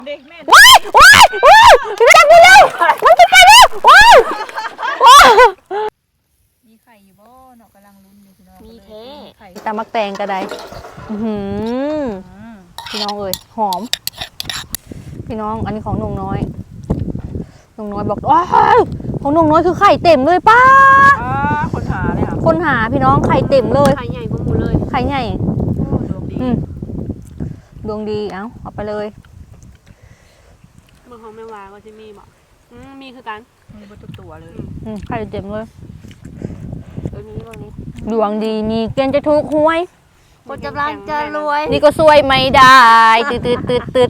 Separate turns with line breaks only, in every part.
เด็กแม่
ว้ายว้ายว้ายมันจะไปแล้วมันจะไปแล้วว้ายว้าย
มีไข่อยู่บ่เนาะกำลังลุ้นอยู่พี่น้อง
มีแท้
ไข่
ตามักแตงกระไดพี่น้องเอ้ยหอมพี่น้องอันนี้ของนงน้อยนงน้อยบอกว้ายของนงน้อยคือไข่เต็มเลยป้า
คนหาเลยค่ะ
คนหาพี่น้องไข่เต็มเลย
ไข่ใหญ่กว่าหมูเลย
ไข่ใหญ่
ดวงดี
ดวงดีเอาไปเลย
เมืองของแม่วาก็จะมีบอกมีคือกัน
มีบนตัวเลย
ไข่เต็มเลย
ตัวนี้ตัวนี้
ดวงดีมีเกณฑ์จะถูกหวย
คนกำลังจะรวย
นี่ก็ซวยไม่ได้ตืด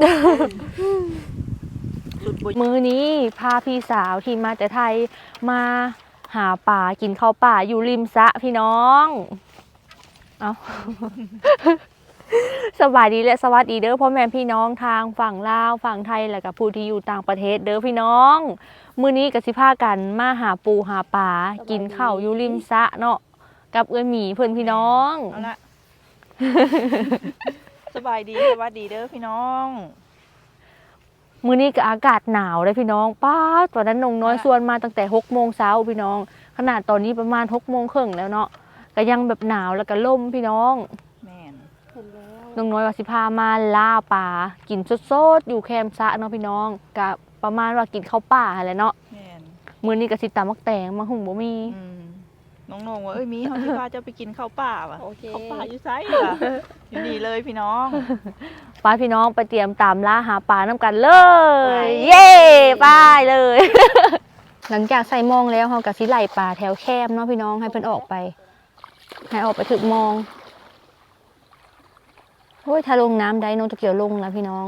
มือนี้พาพี่สาวที่มาแต่ไทยมาหาป่ากินข้าวป่าอยู่ริมสระพี่น้องเอาสบายดีและสวัสดีเด้อพ่อแม่พี่น้องทางฝั่งลาวฝั่งไทยและกับผู้ที่อยู่ต่างประเทศเด้อพี่น้องมื้อนี้ก็สิพากันมาหาปูหาป่ากินข้าวอยู่ริมสระเนาะกับเอื้อหมีเพื่อนพี่น้อง
เอาละสบายดีสวัสดีเด้อพี่น้อง
มื้อนี้ก็อากาศหนาวเลยพี่น้องป้าตอนนั้นนงน้อยชวนมาตั้งแต่6 โมงเช้าพี่น้องขนาดตอนนี้ประมาณ6 โมงครึ่งแล้วเนาะก็ยังแบบหนาวแล้วก็ลมพี่น้อง
แม่น
นงน้อยว่าสิพามาล่าป่ากินสดๆอยู่แคมป์ซะเนาะพี่น้องกับประมาณว่ากินข้าวป่าอะไรเนาะ
แม่น
มื้อนี้ก็สิตำมักแตงมาหุงบ่มี
น้องๆว่ามีเฮาสิพาเจ้าไปกินข้าวป่าว่ะข้าวป่าอยู่ไสล่ะอยู่นี่เลยพี่น้อง
ป้าพี่น้องไปเตรียมตามล่าหาปลาน้ำกันเลยเย้ไปเลย หลังจากใส่มองแล้วเขากับสิไหลปลาแถวแคมเนาะพี่น้องให้เพิ่นออกไปให้ออกไปถึงมองโอ้ยถ้าลงน้ำได้น้องจะเกี่ยวลงแล้วพี่น้อง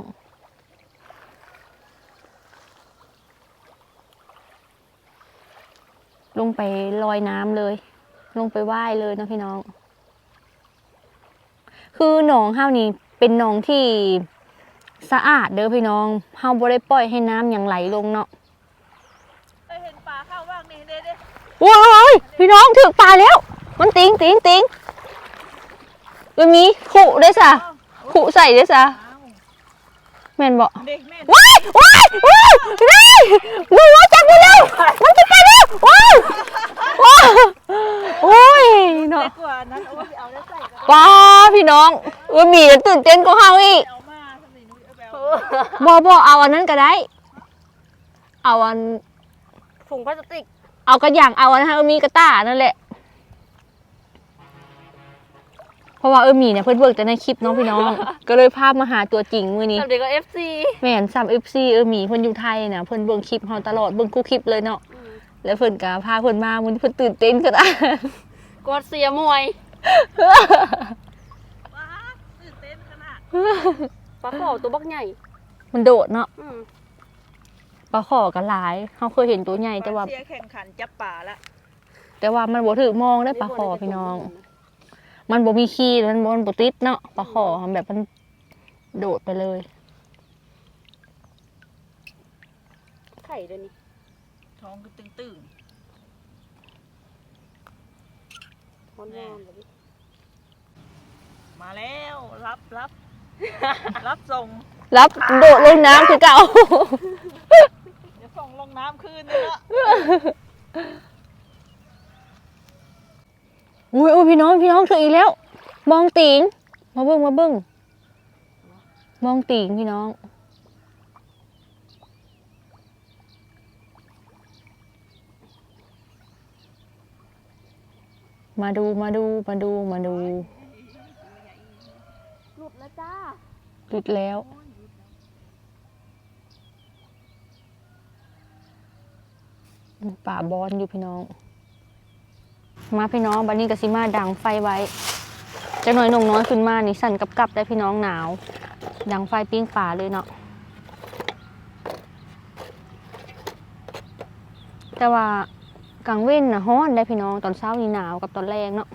ลงไปลอยน้ำเลยลงไปว่ายเลยเนาะพี่น้องคือหนองห้าวนี้เป็นหนองที่สะอาดเด้อพี่น้องเฮาบ่ได้ปล่อยให้น้ำอย่างไหลลงเนาะ
เห็นปลาเข้าบ้างนี่เด้
โอ้ยพี่น้องถึงปลาแล้วมันติงมันมีขู่ด้วยซะขู่ใส่ด้วยซะแม่นบ่ว้ายงูจับไปแล้วมันจะไปแล้วว้ายโอ้ยเนาะป้าพี่น้องมีแล้วตื่นเต้นก็เฮาอีกบ่เอาอันนั้นก็ได้เอาอัน
ถุงพลาสติก
เอากระอย่างเอาอันมีกระต้านั่นแหละเพราะว่ามีเนี่ยเพิ่นเบิกแต่ในคลิปน้องพี่น้องก็เลยพามาหาตัวจริงมื้อนี้
สำเด็กก็ FC
แม่นFC มีเพิ่นอยู่ไทยน่ะเพิ่นเบิ่งคลิปเฮาตลอดเบิ่งคู่คลิปเลยเนาะแล้วเพิ่นก็พาเพิ่นมามื้อนี้เพิ่นตื่นเต้นขนาด
กดเสียมวย
ตื่นเต้นขนาด
ปลาขอตัวบักใหญ่
มันโดดเนาะปลาขอก็หลายเฮาเคยเห็นตัวใหญ่แต่ว่า
เสียแข่งขันจับปลาละ
แต่ว่ามันบ่ถูกมองได้ปลาขอพี่น้องมันบ่มีขี้มันบ่ติดเนาะปลาขอแบบมันโดดไปเลย
ไข่เดี๋ยวนี้
ท้องก็ตึงมาแล้วรับส่ง
รับโดดลงน้ำคือเก่า
เดี๋ยวส่งลงน้ำคืนนี่ละ
อุ้ยพี่น้องถึงอีกแล้วมองติงมาเบิ้งมองติงพี่น้องมาดู
หลุดแล้วจ้า
หลุดแล้วป่าบอนอยู่พี่น้องมาพี่น้องบัดนี้ก็สิมาดังไฟไว้จะน้อยน้อยขึ้นมานี่สั่นกับได้พี่น้องหนาวดังไฟปิ้งป่าเลยเนาะแต่ว่ากลางเว้นนะฮ้อนได้พี่น้องตอนเช้านี่หนาวกับตอนแรงเนาะ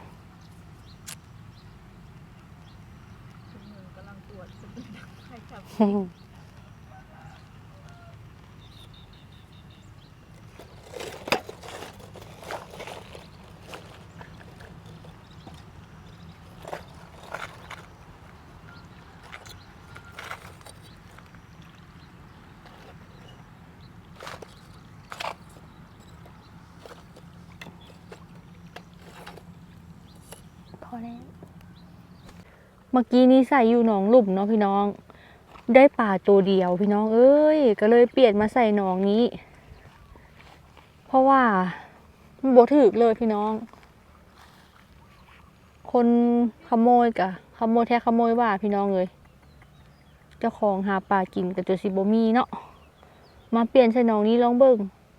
เมื่อกี้นี้ใส่อยู่หนองหลุมเนาะพี่น้อง ได้ปลาตัวเดียวพี่น้องเอ้ยก็เลยเปลี่ยนมาใส่หนองนี้ เพราะว่ามันบ่ถึกเลยพี่น้อง คนขโมยกะขโมยแท้ขโมยว่าพี่น้องเลยเจ้าของหาปลากินกับตัวสิบ่มีเนาะมาเปลี่ยนใส่หนองนี้ลองเบิ่ง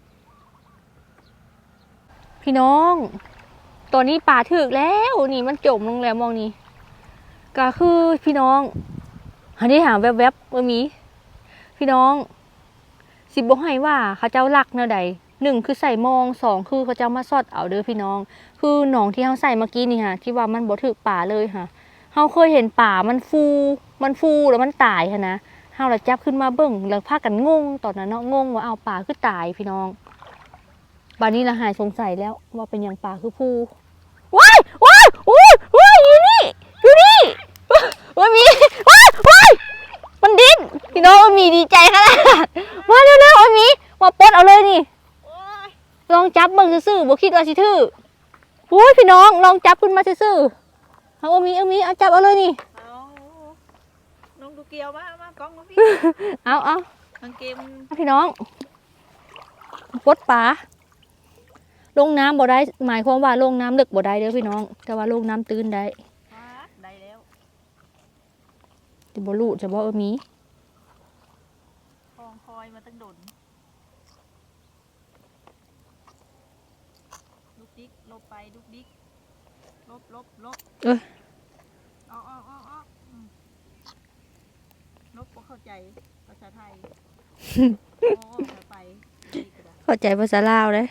พี่น้องตัวนี้ปลาถึกแล้วนี่มันจมลงแล้วมองนี่ก็คือพี่น้องอันนี้หาแวบๆว่ามีพี่น้องสิบ่ให้ว่าเขาเจ้าลักแนวใดหนึ่งคือใส่มองสองคือเขาเจ้ามาซอดเอาเด้อพี่น้องคือหนองที่เขาใส่เมื่อกี้นี่ค่ะที่ว่ามันบ่ถึกป่าเลยค่ะเขาเคยเห็นป่ามันฟูแล้วมันตายค่ะนะเฮาละจับขึ้นมาเบิ่งแล้วพากันงงตอนนั้นเนาะงงว่าเอาป่าคือตายพี่น้องบัดนี้ละหายสงสัยแล้วว่าเป็นอย่างป่าคือฟูว้ายอยู่นี่ว่ามีว้ายมันดิ้นพี่น้องว่ามีดีใจขนาดมาเร็วๆว่ามีมาปลดเอาเลยนี่ลองจับเบิ่งซื่อๆบ่คิดว่าสิถือโอ้ยพี่น้องลองจับขึ้นมาซื่อๆเอามีเอาจับเอาเลยนี่
เอาน้องดูเกียวมากล้องมาพี่
เอา
กางเกม
พี่น้องปลดปลาลงน้ำบ่ได้หมายความว่าลงน้ำลึกบ่ได้เด้อพี่น้องแต่ว่าลงน้ำตื้นได้
ได้แล้ว
จะบ่รู้จะบ่มี
คลองคอยมาตั้งโดนลูกดิ๊กลบไปลูกดิ๊กลบออกลบบ่เข้าใจภาษาไทยโอ้ไป
เข้าใจภาษาลาวเลย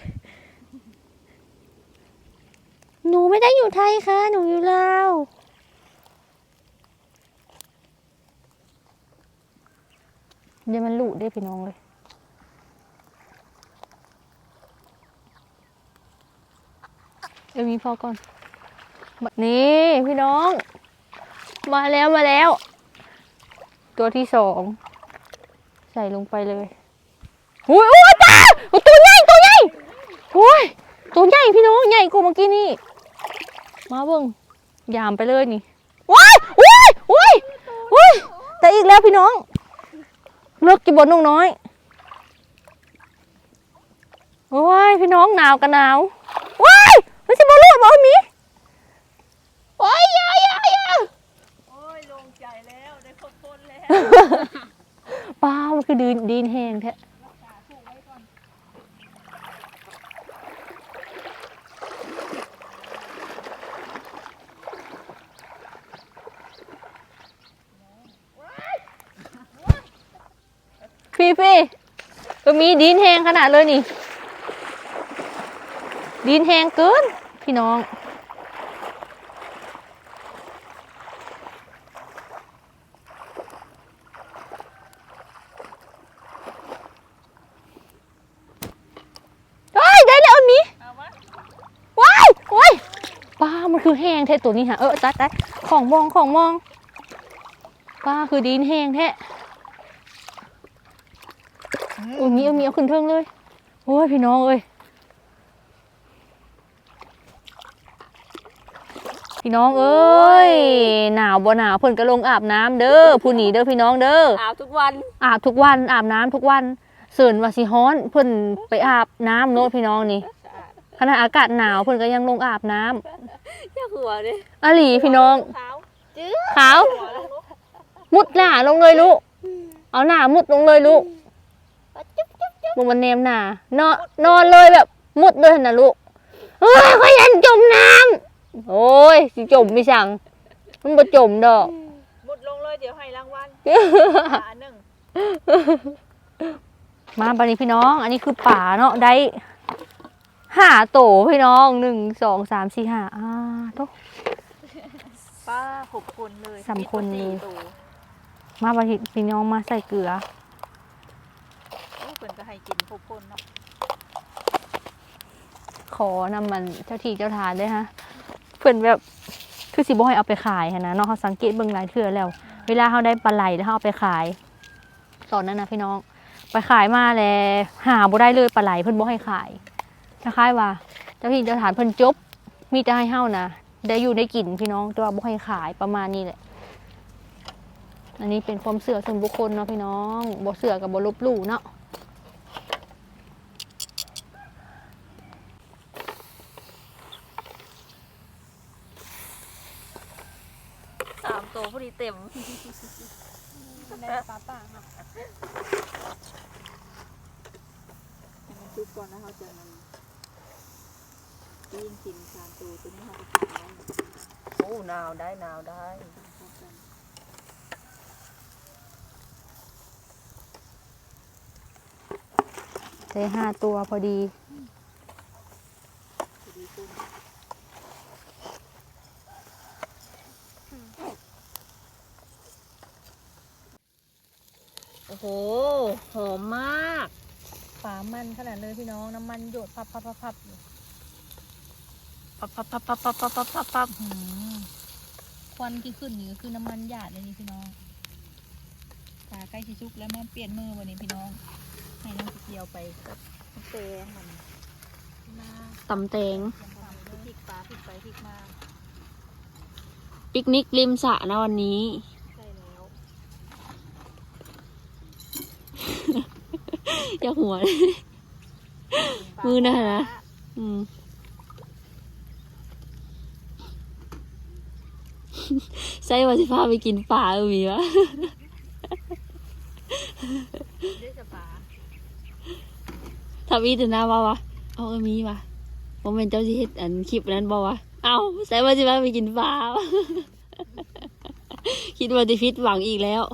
หนูไม่ได้อยู่ไทยค่ะหนูอยู่ลาวเดี๋ยวมันหลุดได้พี่น้องเลยมีพอก่อนนี่พี่น้องมาแล้วตัวที่สองใส่ลงไปเลยโอ้ยตาตัวใหญ่โอ้ยตัวใหญ่พี่น้องใหญ่กว่าเมื่อกี้นี่มาเบิ่งยามไปเลยนี่ว้ายแต่อีกแล้วพี่น้องเลิกกินบนนุ่งน้อยโอ้ยพี่น้องหนาวกันหนาวว้ายมันสิบอลูดบอมีโอ้ยอย่า
โอ้ยลงใจแล้วได้ครบคนแล้ว
ป้ามันคือดินแห้งแท้พี่ก็มีดินแห้งขนาดเลยนี่ดินแห้งเกินพี่น้องได้แล้วมีว้ายป้ามันคือแห้งแท้ตัวนี้ฮะตายของมองป้าคือดินแห้งแท้มีเอาขึ้นเทิงเลยโอ้ยพี่น้องเอ้ยพี่น้องเอ้ยหนาวบ่หนาวเพิ่นก็ลงอาบน้ำเด้อผู้หนีเด้อพี่น้องเด้อ
อาบทุกวัน
อาบน้ำทุกวันเสิร์นว่าสิฮ้อนเพิ่นไปอาบน้ำโน้ตพี่น้องนี่ขณะอากาศหนาวเพิ่นก็ยังลงอาบน้
ำอย่าหัวดิ
อหลีพี่น้องขาวมุดหน้าลงเลยลูกเอาหน้ามุดลงเลยลูกบุมันเนมหน้านอนเลยแบบมุดเลยนะลูกก็ยันจมน้ำโอ้ยสิจมไม่สั่งมันบ่จมดอก
มุดลงเลยเดี๋ยวให้รางวัลหนึ่ง
มาบัดนี้พี่น้องอันนี้คือป่าเนาะได้5 โตพี่น้อง1 2 3 4 5โต
ป้า6 คนเลย
3 คนเลยมาบัดนี้พี่น้องมาใส่เกลือ
เพิ่นก็ให้กิน6 คนเนาะ
ขอนำมันเจ้าที่เจ้าทานด้วยฮะเพิ่นแบบคือสิบ่ให้เอาไปขายนะเนาะเขาสังเกตเบิ่งหลายเทื่อแล้วเวลาเขาได้ปลาไหลแล้วเขาเอาไปขายตอนนั้นนะพี่น้องไปขายมาแล้วหาบ่ได้เลยปลาไหลเพิ่นบ่ให้ขายคล้ายๆว่าเจ้าที่เจ้าทานเพิ่นจบมีแต่ให้เฮานะได้อยู่ได้กินพี่น้องแต่ว่าบ่ให้ขายประมาณนี้แหละอันนี้เป็นความเชื่อส่วนบุคคลเนาะพี่น้องบ่เชื่อกับบ่ลบหลู่เนาะ3 ตัวพอดีเต็ม
ได้ปลาป่าเนาะ
ให้มันชุบก่อนแล้วเขาจะมันยิงกิน3 ตัวตัวนี้เขาจะกินได้
โอ้หนาวได้ได้5 ตัวพอดีโอ้โหหอมมากฝามันขนาดเลยพี่น้องน้ำมันหยดพับพับพับพับควันที่ขึ้นนี่ก็คือน้ำมันหยาดเลยนี่พี่น้องปลาใกล้ชิชุกแล้วมาเปลี่ยนมือวันนี้พี่น้องให้น้องเกี่ยวไปกับเตงมันตำแตง
พริกปลาพริกไปพริกมา
ปิกนิกริมสระนะวันนี้
ใช่แล้ว
อยากหัวเลยมือน่ะนะใส่ว่าสิพาไปกินปลามีวะ
ได้จะปลา
ทำอีแต่หน้าว่าวะเอามีวะผมเป็นเจ้าที่เฮ็ดอันคลิปนั้นบอกว่าเอาใส่ว่าสิพาไปกินปลาวะ คิดว่าจะฟิตหวังอีกแล้ว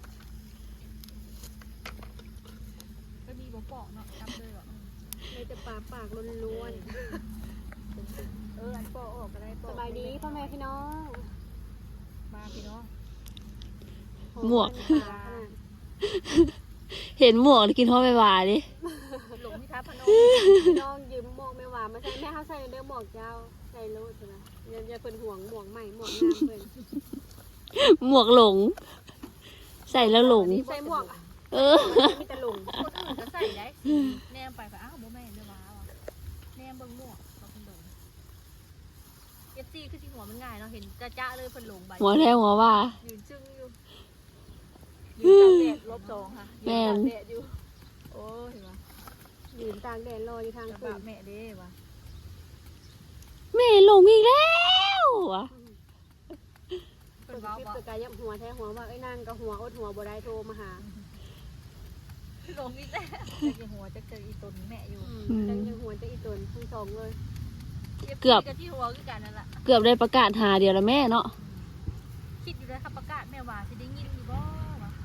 ก็มีบ่ปอกเนาะทำเลยหรอ
ได้แต่ปลาปากล้วน
อันปอกออกก็ได้ป
ๆ
อ
ส
ก
บายดีพ่อแม่พี่น้อง
มาพี่น้อง
หมวก
ปลาขนาด
เห็นหมวกกินท้อไปหวาดิ
หลงที่ท้าพนม
พี่น้องยืมหมวกแม่หวานมาใส่แม่เขาใส่เด้อหมวกเจ้าใส่รูดใช่ไหมอย่าเพิ่นห่วงหมวกใหม่หมวกงามเพิ่น
หมวกหลง ใส่แล้วหลง
ใส่หมวก
เออ
มีแต่หลง
คนอื่นก็ใส่ได้แนมไปอ้าวบ่แม่นเด้อว้าวแนมเบิ่งหมวกเราเพิ่นหลงFCคือสิหัวมันง่ายเนาะเห็นจ้าๆเลยเพิ่นหลงใบ
หัวแท้หัวว่า
ยืนจึ้งอยู่ยืนตากแดด-2ค่ะยืนตากแดดอยู่โอ้เห็นป่ะ
ยืนตากแดดรออยู่ทาง
จะ
ขึ้
บาน แม่เด้ว่ะ
แม่หลงอีกแล้วอะ
เพิ่
เปิ
น
ด
เว้า
คลิป
บ่
ตัวกายยับหัวแท้หัวว่าไอ้นางกับหัวอดหัวบ่ได้โทรมาหา
หลงอีกแล้วจักหัวจักเจออีตนแม่อยู่
จังยังหัวจะอีตนทั้งสองเลย
เกือบ
กับที่หัวคือกันนั่นล่ะ
เกือบได้ประกาศหาเดียวแล้วแม่เนาะ
คิดอยู่แล้วครับประกาศแม่ว่าสิได้ยินอยู่บ่วะ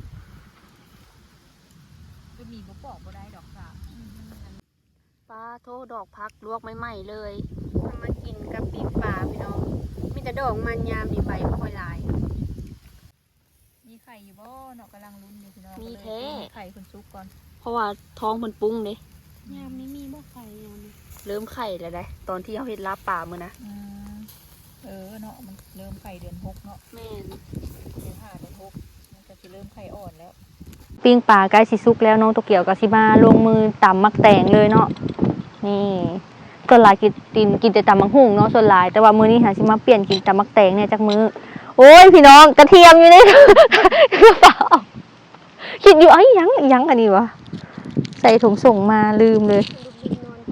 จะมีบ่ปอกบ่ได้ดอกค่ะ
ปลาโทดอกพักลวกใหม่ๆเลย
ทำมากินกับปีกปลาพี่น้อง มีแต่ดอกมันยามมีใบบ่ค่อยหลาย
มีไข่อยู่บ่เนาะกำลังลุ้นอยู่พี่น้อง
มีแท้
ไข่คุณซุกก่อน
เพราะว่าท้องมันปุ้งเด้
ยามนี้มีบ่ไข่ยามนี้
เริ่มไข่แล้วได้ตอนที่เขาเฮ็ดลาบป่ามื้อนะ
เนาะมันเริ่มไข่เดือน6เนาะ
แม่น
เดือน5เดือน6มันก็สิเริ่มไข่อ่อนแล้ว
ปิ้งปลาใกล้สิสุกแล้วน้องโตเกียวกับสิมาลงมือตำมักแตงเลยเนาะนี่ส่วนหลายกินแต่ตำมักหุ่งเนาะส่วนหลายแต่ว่ามื้อนี้หาสิมาเปลี่ยนกินตำมักแตงเนี่ยจากมื้อโอ้ยพี่น้องกระเทียมอยู่ในกระเป๋าคิดอยู่ไอ้ยังอันนี้วะใส่ถุงส่งมาลืมเลย
ลูกดินนอน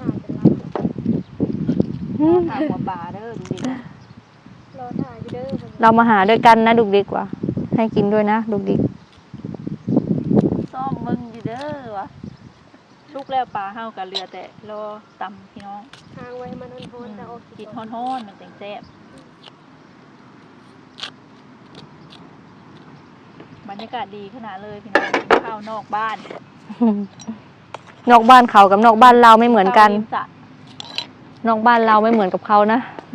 ถ่ายกันแล้ว
ทางหัวปลาเด้อดูดิ
รอถ่ายอยู่เด้อ
เรามาหาด้วยกันนะดุกดิกว่ะให้กินด้วยนะดุกดิก
ซ่อมมึงอยู่เด้อวะลูกแล้วปลาเฮากับเรือแต่รอตำพี่น้อง
ทางไว้ให้มันทนๆแต่ออก
กินฮ้อนๆมันจังแซ่บบรรยากาศดีขนาดเลยพี่น้องกินข้าวนอกบ้าน
นอกบ้านเขากับนอกบ้านเราไม่เหมือนกัน
ข้าวริสระ
นอกบ้านเราไม่เหมือนกับเขานะ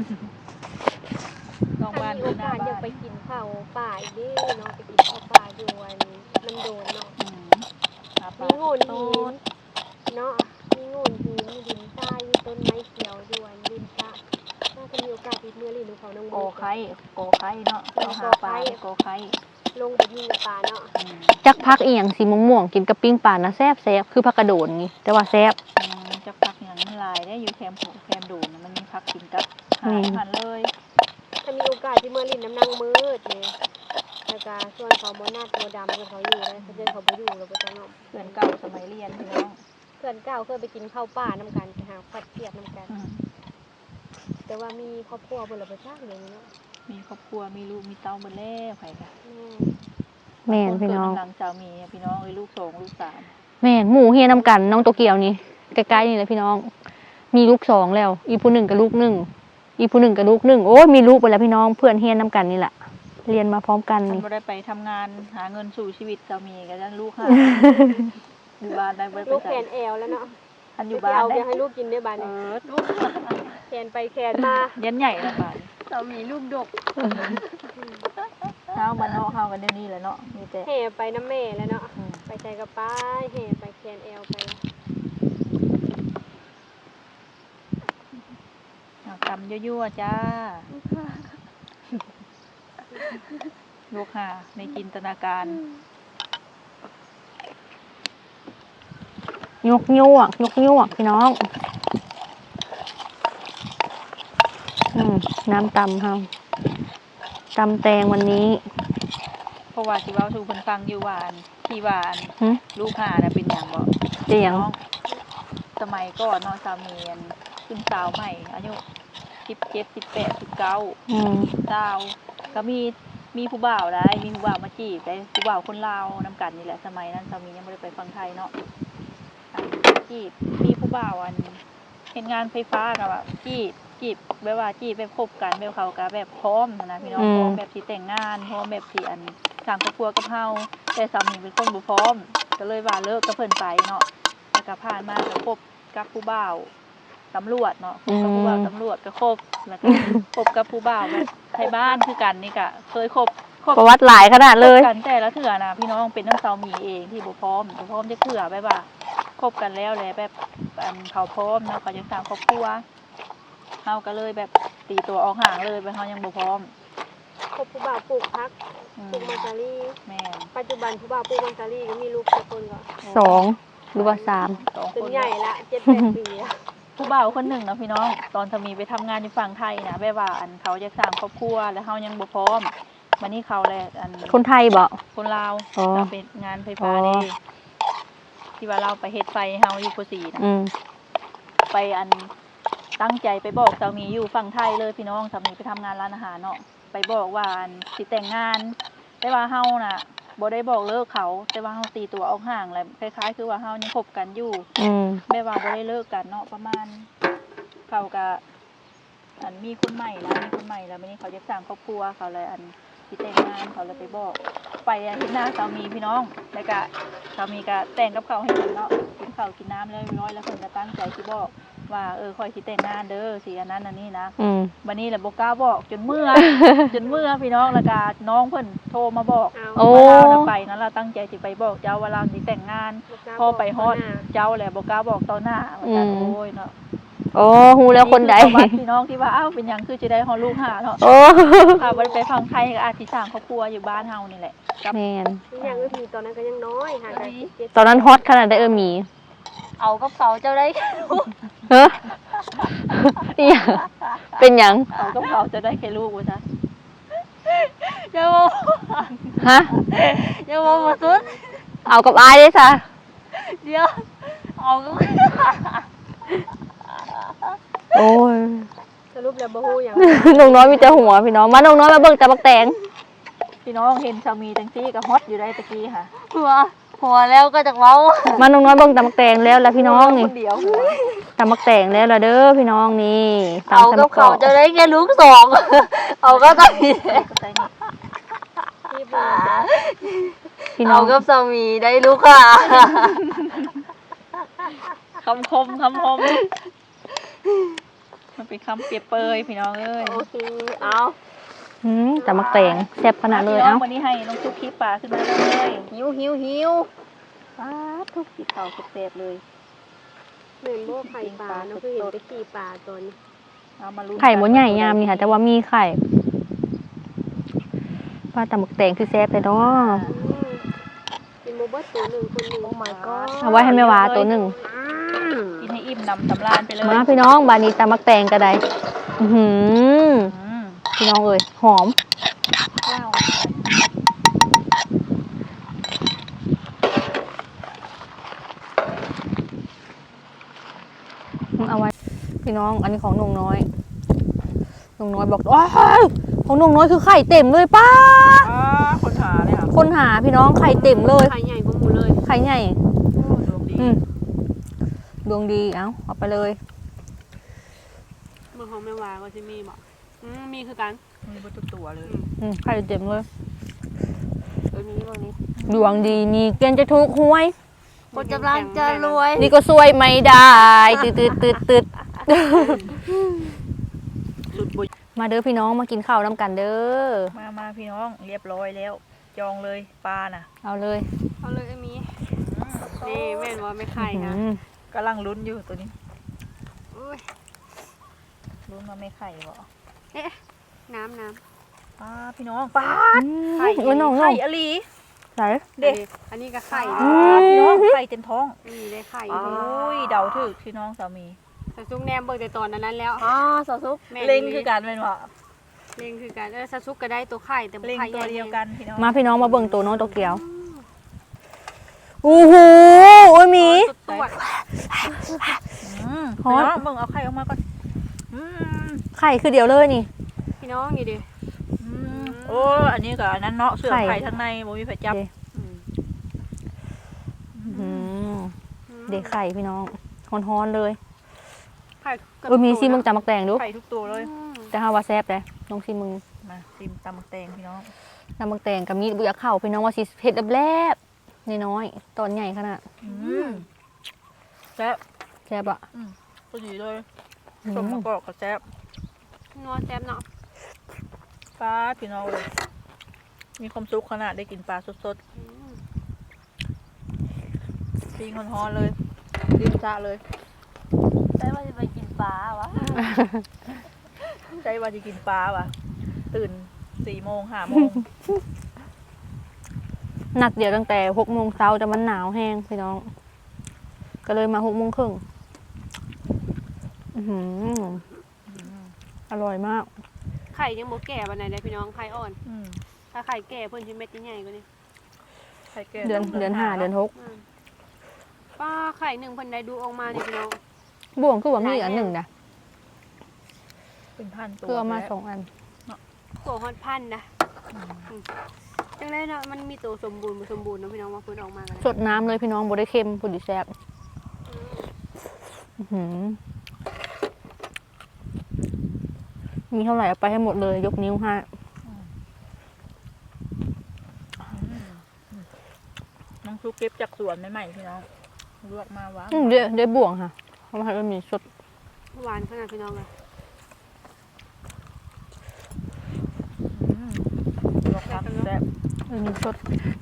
นอกบ้าน
มี
คื
โอ
อหน้าก
าสอยาก
บ้าน
ไปกินข้าวป่าอีกเด้เนาะไปกินข้าวป่าอยู่วันมันโดนเนาะ
หาปลา
มีโงน
โต
หินเนาะมีโงนหินมีดินทรายมีต้นไม้เขียวด้วยดินสระน่าจะมีโอกาสอีกเมื่อลินเขาน้อง
โกไข่เนาะเขาหาปลาโกไข่
ลงไปยิงกับปลาเนาะ
จักพักอีหยังสีม่วงๆกินกับปิ้งป่านะแซ่บคือผักกระโดดงี้แต่ว่าแซ่บ
จะพักอย่างมันลายได้อยู่แคมป์ดูนะมันมีพักกินกับหาหันเลย
ถ้ามีโอกาสที่เมื่อลินน้ำนางมืดเนี่ยแล้วก็ส่วนเขาบ่นัดบ่ดำเขาอยู่ได้เขาเดินเขาบ่อยู่เราบ่ต้องเนาะ
เพื่อนเก่าสมัยเรียนพี่น้อง
เพื่อนเก่าเคยไปกินข้าวป่าน้ำกันไปหาฟัดเทียบน้ำกัน แต่ว่ามีครอบครัวบนหลังประชาอย่างนี้เนาะ
มีครอบครัวมีลูกมีเต้าหมดแล้วไผค่ะ
แม่นพี่น้อง
หลังสามีพี่น้องลูก2ลูก3
แม่นหมู่เฮียนำกันน้องโตเกียวนี่ใกล้ๆนี่แหละพี่น้อง มีลูก2แล้ว อีผู้หนึ่งกับลูก1อีผู้หนึ่งกับลูก1โอ้ยมีลูกไปแล้วพี่น้องเพื่อนเฮียนนำกันนี่แหละเรียนมาพร้อมกัน
ฉัน
นี่
บ่ได้ไปทำงานหาเงินสู่ชีวิตสามีก็จะลูกหาอยู่บ้านได้บ่ได้
ลูก
ไป
แข
ไส
นแอวแล้วเนาะ
อันอยู่บ้าน
เอา
ได้
ไปให้ลูกกินได้บ้าน
เอ
นี้
อลูก
แขนไปแขนมา
ยันใหญ่ละบ้าน
เรามีลูกดก
เฮาบ้านเฮาเฮากันเดี๋ยวนี้แหละเนาะมีแต่
แห่ไปน้ำแม่แล้วเนาะไปใจกับป้ายแห่ไปแขนแอวไป
ตำยั่วๆจ้าลูกหาในจินตนาการ
ยกยวกพี่น้องน้ำตำค่ะตำแตงวันนี้
เพราะว่าสิเว้าสู่เพิ่นฟังอยู่ว่าอันที่ว่าอัน
หึ
ลูกหาน่ะเป็นหยังบ่
เจียง
น้องสมัยก่อนเนาะสามีอันขึ้นสาวใหม่อายุ17 18 19สาวก็มีผู้บ่าวได้มีผู้บ่าวมาจีบได้ผู้บ่าวคนลาวนำกันนี่แหละสมัยนั้นสามียังบ่ได้ไปฟังไทยเนาะอันจีบมีผู้บ่าวอันเฮ็ดงานไฟฟ้าก็ว่าจีบแบบว่าจีบแบบคบกันแบบเขาก็แบบพร้อมนะพี่น้องพร้อมแบบสิแต่งงานพร้อมแบบสิอันสร้างครอบครัวกับเฮาแต่สามีเป็นคนบ่พร้อมก็เลยว่าเลิกกับเพิ่นไปเนาะแล้วก็ผ่านมาก็คบกับผู้บ่าวตำรวจเนาะคบกับผู้บ่าวตำรวจก็คบแล้วก็คบกับผู้บ่าวแบบไทยบ้านคือกันนี่ก็เคยคบ
ประวัติหลายขนาดเลย
คบกันแต่ละเถื่อนะพี่น้องเป็นน้องสาวมีเองที่บ่พร้อมจะเถื่อแบบว่าคบกันแล้วแหละแบบอันเขาพร้อมเนาะเขาจะสร้างครอบครัวเฮาก็เลยแบบตีตัวออกห่างเลยไปเฮายังบ่พร้อม
คบผู้บ่าวปลูกพัก
อืม
ปลูกมังสารี
แม่น
ปัจจุบันผู้บ่าวปลูกมังสารีก็มีลูกกี่คนก็
2หรือว่า
สอง
จ
คน น
ใหญ่ละ7-8 ปีละ
ผู้บ่าวคนหนึ่งเนาะพี่น้องตอนสามีไปทำงานอยู่ฝั่งไทยนะแบบว่าอันเขาจะสร้างครอบครัวแล้วเฮายังบ่พร้อมวันนี้เขาแหละอัน
3คนไทยบ่
คนลาว
อ๋อ
เราเป็นงานไฟฟ้า
อ๋อ
นี่ที่ว่าเราไปเฮ็ดไฟเฮาอยู่โคสีนะ ไปอันตั้งใจไปบอกสามีอยู่ฝั่งไทยเลยพี่น้องสามีไปทำงานร้านอาหารเนาะไปบอกว่าอันสิแต่งงาน แต่ว่าเฮาน่ะบ่ได้บอกเลิกเขา แต่ว่าเฮาตีตัวออกห่างแหละคล้ายๆคือว่าเฮายังคบกันอยู่แม่ว่าบ่ได้เลิกกันเนาะประมาณเขาก็อันมีคนใหม่แล้ววันนี้เขาจะสร้างครอบครัวเขาเลยอันสิแต่งงานเขาเลยไปบอก ไปเห็นหน้าสามีพี่น้องแล้วก็สามีก็แต่งกับเขาวให้กินเนาะกินข้าวกินน้ำแล้วเรียบร้อยแล้วเพิ่นก็ตั้งใจสิบอกว่าค่อยสิแต่งงานเด้อสิอันนั้นอันนี้นะวันนี้แหละบ่กล้าบอกจนเมื่อ จนเมื่อพี่น้องแล้วก็น้องเพิ่นโทรมาบอก
เอา
ว่าเราไปนั้นเราตั้งใจสิไปบอกเจ้าว่าเราสิแต่งงาน พอไปฮอดเจ้าแหละบ่กล้าบอกต่อหน้าว่าซั่นโอ้ยเนาะ
โอ้ฮู้แล้วคนใด
อัคือประวัติพี่น้องที่ว่าอ้าวเป็นหยังคือสิได้ฮอดลูกหาเนาะ
โอ้
ค่ะบ่ได้ไปฟังไทยก็อาจสิสร้างครอบครัวอยู่บ้านเฮานี่แหละกับ
แม่น
อย่างอื่นมีตอนนั้นก็ยังน้อยห่างกัน17
ตอนนั้นฮอตขนาดได้หมี
เอากับเขาเจ้าได้
เฮ้ออีหยังเป็นหยัง
เอากับเขาจะได้แค่ลูกว่าซะอย่า
ฮะ
บอกมาสุด
เอากับอายได้ซะ
เดี๋ยวเอากับ
โอ้ย
สรุปแล้วบ่ฮู้หยัง
น้องน้อยมีแต่หัวพี่น้องมาน้องน้อยมาเบิ่งแต่บักแตง
พี่น้องเห็นสามีจังซี่ก็ฮอตอยู่ได้ตะกี้ค่ะ
หัวแล้วก็จะเว้า
มาน้องน้อยเบิ่งแต่บักแตงแล้วพี่น้องนี่
คนเดียวหัว
แต่บักแตงแล้วล่ะเด้อพี่น้องนี่ตำ
เอา
ใส่
กับ
มะก
เขา
อก
จะได้แค่ลูก2เอาก็ต้องมี
ก็ใส่นี่
พี่น้อง
กับสามีได้ลูกค่ะ
คำคมมันเป็นคำเปรียบเปยพี่น้องเอ้ย
โอเคเอา
แต่บักแตงแซ่บขนาดเลย
พี่น้อ
เอ้าง
วันนี้ให้น้องซุปขี้ปลาขึ้นมาเลย
หิว
ป้าทุกสีขาวเต็บเลย
เหมือนบ่ไข่ปลาเนาะคือเห็นไปขี่ปลาตอนนี้
เอามาลุ้น
ไข่บ่ใหญ่ยามนี่ค่ะแต่ว่ามีไข่ปลาแต่บักแตงคือแซ่บเลยเนาะ
เป็นโมเบิร์ตตัวหนึ่งคนหนึ่งโอ้ my god
เอาไว้ให้แม่วาตัวหนึ่ง
กินให้อิ่มนำสำราญไปเลย
มาพี่น้องบานนี้ตำมักแตงกระไดอื้อหือ
อืม
พี่น้องเอ้ยหอม
ว้าว
พี่น้อง อันนี้ของนงน้อยนงน้อยบอกว้าวของนงน้อยคือไข่เต็มเลยป้า
คนหาเลยค่ะ
คนหาพี่น้องไข่เต็มเลย
ไข่ใหญ่กว่าหมูเลย
ไข่ใหญ่
ดวงดี
ดวงดีเอาไปเลย
เมืองของแม่วาก็จะมีบอกมีคือกัน
มีบนตัวเลย
ไข่เต็มเลย
ตัวนี้ตัวนี้
ดวงดีมีเกณฑ์จะถูกหวย
คนกำลังจะรวย
นี่ก็ซวยไม่ได้ตืด
สุดบุญ
มาเด้อพี่น้องมากินข้าวน้ำกันเด้อ
มาพี่น้องเรียบร้อยแล้ว จองเลยปลาน่ะ
เอาเลย
เอาเลยมีนี่แม่นว่าไม่ไข่นะ
กำลังลุ้นอยู่ตัวนี้
อุ้ย
ลุ้นมาไม่ไข่บ่
น้ำ
พี่น้องปลาไข่
โอ้ยน้อง
ไข่อลี
ใส่
เด็ก
อันนี้ก็ไข่
พี่น้องไข่เต็มท้อง
นี่ได้ไข่
โอ้ยเดาถึกพี่น้องสามี
สะซุกแนมเบิกแต่ตอนนั้นแล้ว
สาวซุกเล็งคือการเป็นว่า
เล็งคือกันสะซุกก็ได้ตัวไข่แต่
เล็ง
ไข่
ตัวเดียวกันพี่น้อง
มาพี่น้องมาเบิ่งตัวน้องตัวเกียวโอ้โหโอ้ยหมี
ตัว
พี่น้องเบิ่งเอาไข่ออกมาก่อน
ไข่คือเดียวเลยนี่
พี่น้องนี่ดิ
โอ้อันนี้กับอันนั้นเนาะเสื้อไข่ทั้งในบ่มีไผจับ
เด็กไข่พี่น้องฮ้อนๆเลย
ไข่
มีซีมึงจำมักแตงดู
ไข่ทุกตัวเลย
แต่ฮาว่าแซ่บเลยน้องซีมึง
มาซิมตำแตงพี่น้อง
จำมักแตงกับมีดบุยาเข่าพี่น้องว่าสิเผ็ดแลบๆน้อยๆตอนใหญ่ขนาด
แซ่บ
แซ่บอ่ะ
พอดีเลยสมมะกอกกับแซ่บ
นัวแซ่บเนาะ
ปลาพี่น้องเลยมีความสุขขนาดได้กินปลาสดๆปิ้งฮ้อนๆเลยริมสระเลยใจว่าจะไปกินปลาวะใจว่าจะกินปลาวะตื่น4 โมง5 โมง
นัดเดียวตั้งแต่6 โมงเช้าแต่มันหนาวแห้งพี่น้อง ก็เลยมา6 โมงครึ่งอร่อยมาก
ไข่ยังโบแก่วันไหนเลยพี่น้องไข่อ่อน ถ้าไข่แก่เพิ่นชิ้นเม็ดใหญ่กว่านี้
ไข่แก่
เดือน5 เดือน
ป้าไข่1เพิ่นได้ดูออกมานี่พี่น้อง
6บ่วงคือว่ามีอันหนึ่งนะ
เป็นพันตัว
คือเอามา2 อัน
ตัวฮอดพันนะจังเลยเนาะมันมีตัวสมบูรณ์บ่สมบูรณ์เนาะพี่น้องว่าเพิ่นออกมากัน
สดน้ำเลยพี่น้องบ่ได้เค็มพอดีแซ่บมีเท่าไหร่เอาไปให้หมดเลยยกนิ้วให้
น้องซุกเก็บจากสวนใหม่ๆพี่น้องลวกมาว้า
ได้บ่วงค่ะเพราะมันมีสด
หวานขนาดพี่น้องเลย
ลวกครับแซ่บ
มีสด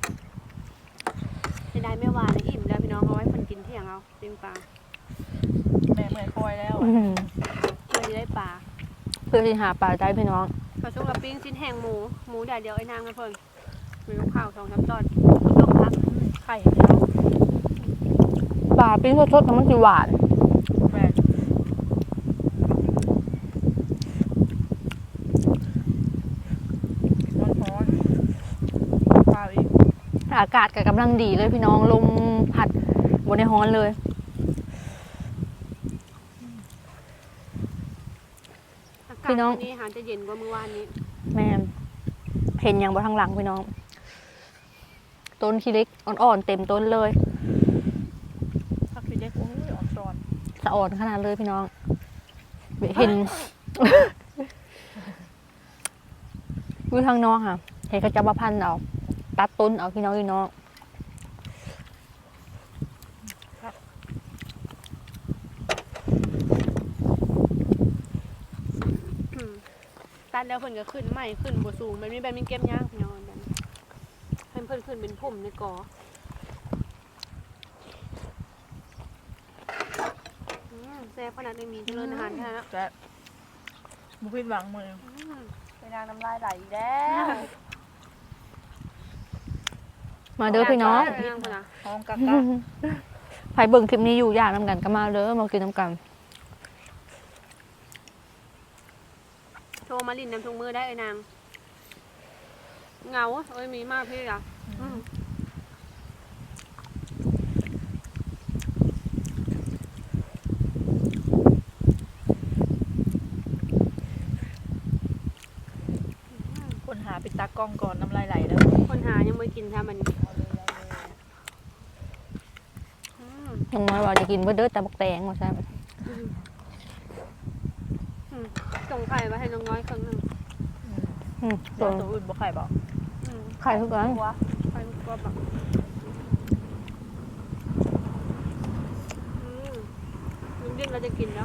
จะได้ไม่หวานเลยอิ่มแล้วพี่น้องเอาไว้เพิ่นกินเที่ยงเอาปิ้งปลา
แม่เมื่อยคอยแล้ว
เพื่อจะได้ปลา
เพื่อที่หาปลาได้พี่น้อง
กระซุกกับปิ้งชิ้นแห้งหมูแดดเดียวไอ้นางกันเพิ่นมีลูกข้าว2-3 ตอนต้มพัก
ไข่พี่น้อง
ปลาปิ้งสดๆแต่มันสิหวาน
แม่ร้อนๆปลาอีก
อากาศก็กำลังดีเลยพี่น้องลมพัดบนในฮ้อนเลย
อากาศ
พี่น้อง
วันนี้หาจะเย็นกว่าเมื่อวานนี้
แม่นเห็นอย่างบนทางหลังพี่น้อง ต้นขี้เล็กอ่อนๆเต็มต้นเลย
ผักชีเล็กโอ้ยอ่อนซอน
สะอ่อนขนาดเลยพี่น้อง เห็น วิวทางนอกค่ะ เห็นเขาจะมาพันเอาตัดต้นเอาพี่น้อง
ตัดแล้วเพิ่นก็ขึ้นใหม่ขึ้นบ่สูงมันมีแบบมีเก็บยากพี่น้องแบบนี้เพิ่นขึ้นเป็นพุ่มในกอแซ่บขนาดไม่มีเจริญอาหารแค่นั้นแล้ว
แซ่บบุพิดหวังมือ
ไปนางน้ำลายไหลอีกแล้ว
มาเด้อพี่น้อง
ไปนางคนน่ะ
ห้องกัก
ใครเบิ่งคลิปนี้อยู่อยากน้ำกันก็มาเด้อมากินน้ำกัน
โทรมาลินน้ำทุงมือได้ไอ้นางเหงาเอ้ยมีมากพี่อ่ะกินถ้ามัน
น้องน้อยว่าจะกินเบิดเด้อแต่บักแตงว่าใช่
ส่งไข่มาให้น้องน้อยครั้งหนึ่ง
ตัวอื่นบ่ไข่บอก
ไข่ทุกอัน
ไข่ก็แบบลุงดิ้นเราจะกินแล้ว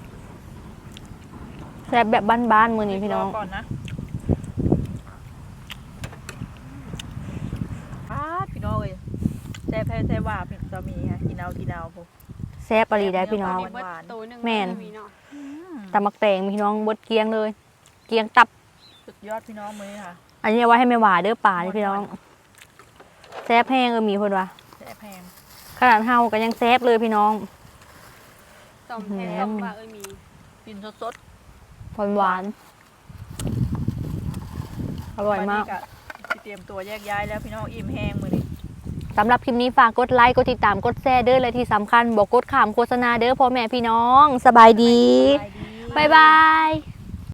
แซ่บแบบบ้านๆมื้อนี้พี่น้อง
ก่อนนะพี่น้องเอ้ยแซ่บแพ้แซ่บว่าพี่จะมีค่ะกินเอาพวก
แซ่บปรีได้พี่น้อง
หวาน
ตัวหนึ่ง
แม่น
มีเนาะ
แต่มักแตงพี่น้องบดเกลียงเลย เกลียงตับ
สุดยอดพี่น้องมื้อนี้ค่ะ
อันนี้เอาไว้ให้แม่หวาเด้อป่านี่พี่น้องแซ่บแห้งมีคนว่า
แซ่บแพง
ขนาดเฮาก็ยังแซ่บเลยพี่น้อง
ต้มแทนต้มปลามี
กินสด
หวานอร่อยมาก
สิเตรียมตัวแยกย้ายแล้วพี่น้องอิ่มแห้งมื้อนี้
สำหรับคลิปนี้ฝากกดไลค์กดติดตามกดแชร์เด้อและที่สำคัญบอกกดขามโฆษณาเด้อพ่อแม่พี่น้องสบายดี บ๊ายบาย